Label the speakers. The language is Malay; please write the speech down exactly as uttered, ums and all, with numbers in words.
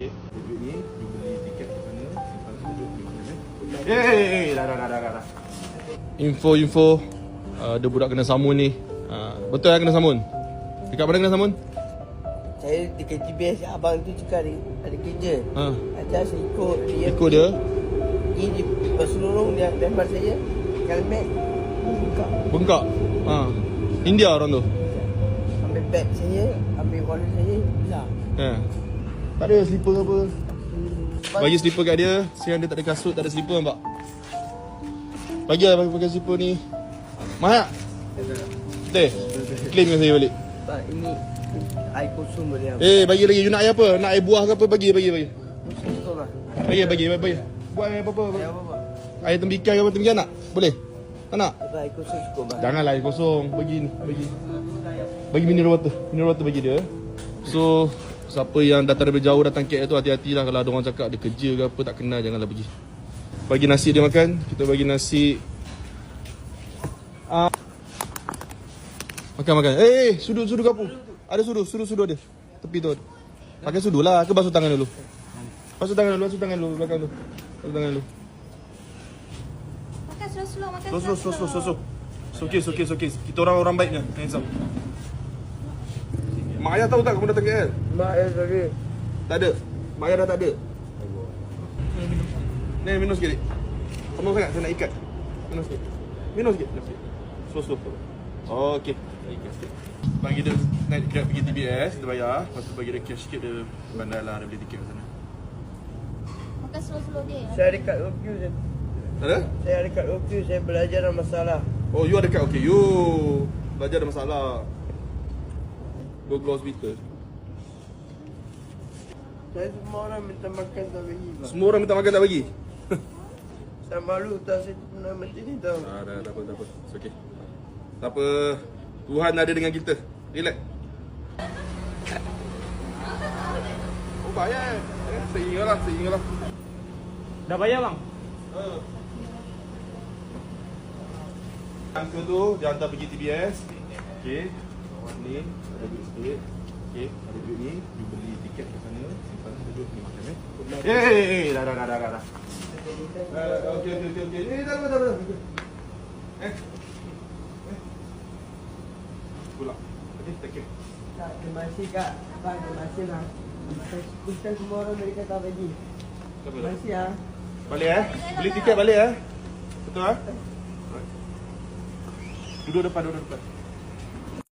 Speaker 1: Duit ni, you beli tiket ke sana, simpan duduk di mana eh. Eh, dah dah dah dah dah. Info-info uh, ada budak kena samun ni. Uh, betul lah kena samun? Dekat mana kena samun?
Speaker 2: Saya dekat G P S abang tu cakap ada, ada kerja.
Speaker 1: Ha.
Speaker 2: Ada saya ikut dia.
Speaker 1: Ikut dia.
Speaker 2: Pergi di Pesulurung dia lempar saya. Helmet bengkak.
Speaker 1: Bengkak. Ha. India orang tu.
Speaker 2: Ambil beg saya, ambil wallet saya, hilang.
Speaker 1: Ha. Tak ada slipper apa. Bagi slipper kat dia. Siang dia tak ada kasut, tak ada slipper nampak. Bagi lah pakai slipper ni. Mahal tak? Betul? Claim dengan saya balik.
Speaker 2: Pak, ini air kosong boleh apa?
Speaker 1: Eh, bagi lagi. You nak air apa? Nak air buah ke apa? Bagi, bagi, bagi.
Speaker 2: Kosong lah.
Speaker 1: Bagi, bagi, bagi. Buat air apa-apa.
Speaker 2: Air apa-apa?
Speaker 1: Air tembikai ke apa? Tembikai nak? Boleh? Tak nak?
Speaker 2: Air kosong cukup bang.
Speaker 1: Janganlah air kosong. Bagi ni. Bagi. Bagi mineral water. Mineral water bagi dia. So, siapa yang datang dari jauh datang K L tu hati-hatilah kalau ada orang cakap dia kerja ke apa tak kenal, janganlah pergi. Bagi nasi dia makan. Kita bagi nasi. Ah. Makan makan. Eh, eh, sudu sudu kapu. Ada sudu, sudu sudu ada. Tepi tu. Pakai sudu lah. Ke basuh tangan dulu. Basuh tangan dulu, basuh tangan dulu belakang tu. Basuh tangan dulu.
Speaker 3: Makan slow-slow, makan
Speaker 1: Slow slow slow slow slow. slow. Okey, okey, okey. Kita orang-orang baiknya. Hands up. Mak ayah tahu tak kamu datang K L?
Speaker 2: Mak ayah tadi.
Speaker 1: Tak ada. Mak ayah dah tak ada. Ni minum sikit. Kamu sangat saya nak ikat. Minum sikit. Minum sikit. Minum sikit. Slow slow. Okey. Bagi dia naik grab pergi T B S, dia bayar. Lepas tu bagi dia cash sikit, dia bandar lah, dia beli tiket kat sana.
Speaker 3: Makan slow-slow dia.
Speaker 2: Saya ada kat O Q saya.
Speaker 1: Tak ada?
Speaker 2: Saya ada kat O Q, saya belajar dalam masalah.
Speaker 1: Oh, you ada kat okey. You belajar ada masalah. Go ke hospital.
Speaker 2: Saya semua orang minta makan tak bagi bang.
Speaker 1: Semua orang minta makan tak bagi?
Speaker 2: Saya malu tak saya pernah macam ni tau.
Speaker 1: Ah, dah, tak apa, tak apa. It's okay. Tak apa. Tuhan ada dengan kita. Relax. Oh, bayar. Eh, saya ingat lah, saya ingat lah.
Speaker 4: Dah bayar bang?
Speaker 1: Uh. Uncle tu, dia hantar pergi T B S. Okay. Awak ni, ada duit sikit. Okay, ada duit ni. You beli tiket ke sana. Simpan duduk ni makan eh. Eh, eh, eh, dah, dah, dah, dah, dah, dah. Okey, okey, okey, okey. Eh, dah, dah, dah, dah. Eh. Eh. Pulang. Okay, take care.
Speaker 2: Tak, terima kasih kak. Bang, terima kasih bang. Saya sebutkan semua orang dari kata bagi. Terima kasih ya.
Speaker 1: Balik eh. Beli tiket balik eh. Betul eh? Duduk depan, duduk depan.